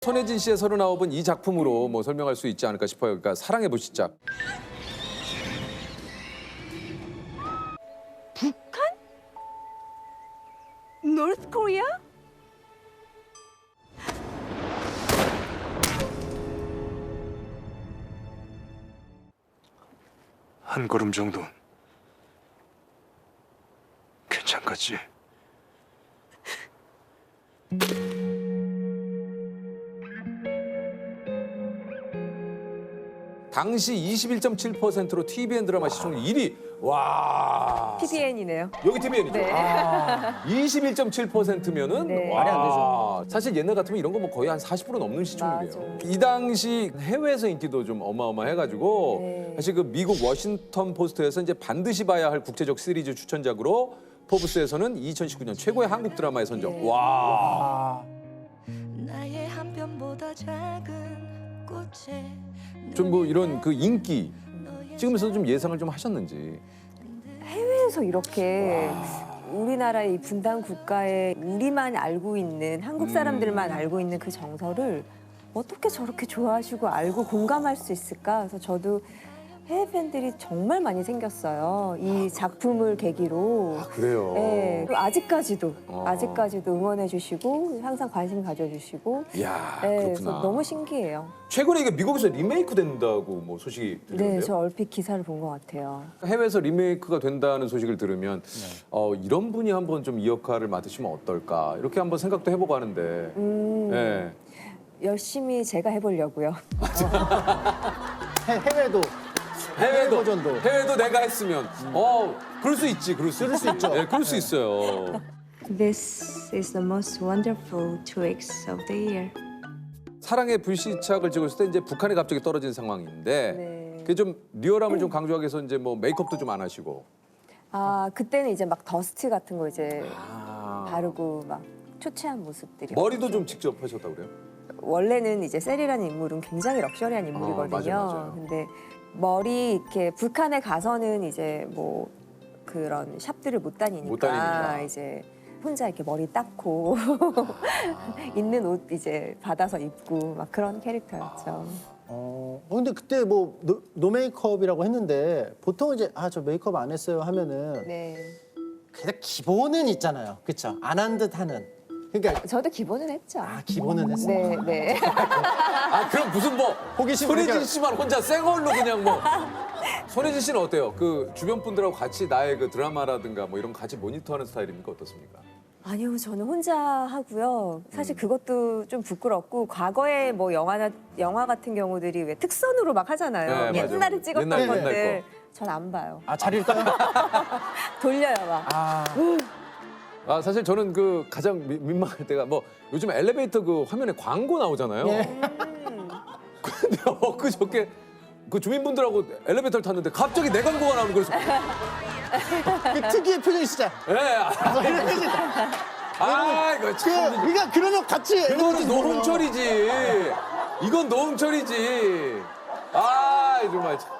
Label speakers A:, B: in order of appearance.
A: 손예진 씨의 39은 이 작품으로 뭐 설명할 수 있지 않을까 싶어요. 그러니까 사랑의 불시착.
B: 북한? 노스 코리아?
C: 한 걸음 정도는 괜찮겠지?
A: 당시 21.7%로 TVN 드라마 시청률 1위. 와.
B: TVN이네요.
A: 여기 TVN이죠.
B: 네.
A: 21.7%면은
B: 네.
A: 말이 안 되죠. 사실 옛날 같으면 이런 거 뭐 거의 한 40% 넘는 시청률이에요.
B: 맞아.
A: 이 당시 해외에서 인기도 좀 어마어마해가지고
B: 네.
A: 사실 그 미국 워싱턴 포스트에서 이제 반드시 봐야 할 국제적 시리즈 추천작으로 포브스에서는 2019년 최고의 한국 드라마에 선정.
B: 네.
A: 와.
D: 나의 한 편보다 작은 꽃에
A: 좀 뭐 이런 그 인기 찍으면서 좀 예상을 좀 하셨는지.
B: 해외에서 이렇게 우리나라의 이 분단 국가에 우리만 알고 있는 한국 사람들만 알고 있는 그 정서를 어떻게 저렇게 좋아하시고 알고 공감할 수 있을까? 그래서 저도 해외 팬들이 정말 많이 생겼어요. 이 작품을 계기로.
A: 그래요.
B: 네, 그리고 아직까지도
A: 어.
B: 응원해 주시고 항상 관심 가져주시고.
A: 이야,
B: 네,
A: 그렇구나.
B: 그래서 너무 신기해요.
A: 최근에 이게 미국에서 리메이크 된다고 뭐 소식이 들리는데요.
B: 네, 저 얼핏 기사를 본 것 같아요.
A: 해외에서 리메이크가 된다는 소식을 들으면 이런 분이 한번 좀 이 역할을 맡으시면 어떨까 이렇게 한번 생각도 해보고 하는데. 네.
B: 열심히 제가 해보려고요.
E: 해외도
A: 해외도
E: 버전도.
A: 해외도 내가 했으면 그럴 수 있지, 그럴 수 있죠. 네, 그럴 수 있어요.
D: This is the most wonderful 2 weeks of the year.
A: 사랑의 불시착을 찍었을 때 이제 북한에 갑자기 떨어진 상황인데
B: 네.
A: 그게 좀 리얼함을 좀 강조하기 위해서 이제 뭐 메이크업도 좀 안 하시고.
B: 아, 그때는 이제 막 더스트 같은 거 이제
A: 아.
B: 바르고 막 초췌한 모습들이.
A: 머리도 좀 직접 하셨다고 그래요?
B: 원래는 이제 셀이라는 인물은 굉장히 럭셔리한 인물이거든요.
A: 맞아요.
B: 근데 머리 이렇게 북한에 가서는 이제 뭐 그런 샵들을 못 다니니까,
A: 못 다니니까.
B: 이제 혼자 이렇게 머리 닦고 있는 옷 이제 받아서 입고 막 그런 캐릭터였죠.
E: 근데 그때 뭐 노 메이크업이라고 했는데 보통 이제 저 메이크업 안 했어요 하면은
B: 네.
E: 그냥 기본은 있잖아요. 그렇죠? 안 한 듯 하는. 그러니까
B: 저도 기본은 했죠.
E: 기본은 했어.
B: 네, 네.
A: 그럼 무슨 뭐
E: 호기심
A: 손예진
E: 그러니까-
A: 씨만 혼자 새 걸로 그냥 뭐. 손예진 씨는 어때요? 그 주변 분들하고 같이 나의 그 드라마라든가 뭐 이런 거 같이 모니터하는 스타일입니까? 어떻습니까?
B: 아니요, 저는 혼자 하고요. 사실 그것도 좀 부끄럽고 과거에 뭐 영화 같은 경우들이 왜 특선으로 막 하잖아요.
A: 네,
B: 옛날에
A: 맞아요.
B: 찍었던
A: 옛날
B: 것들. 전 안 봐요.
E: 잘 읽어요?
B: 돌려요 막.
A: 사실 저는 그 가장 민망할 때가 뭐 요즘 엘리베이터 그 화면에 광고 나오잖아요. 근데 엊그저께 그 주민분들하고 엘리베이터를 탔는데 갑자기 내 광고가 나오는 거예요.
E: 그 특유의 표정이 진짜.
A: 예. 이거 참.
E: 그러니까 그러면 같이
A: 이거는 노홍철이지. 이건 노홍철이지. 정말 참.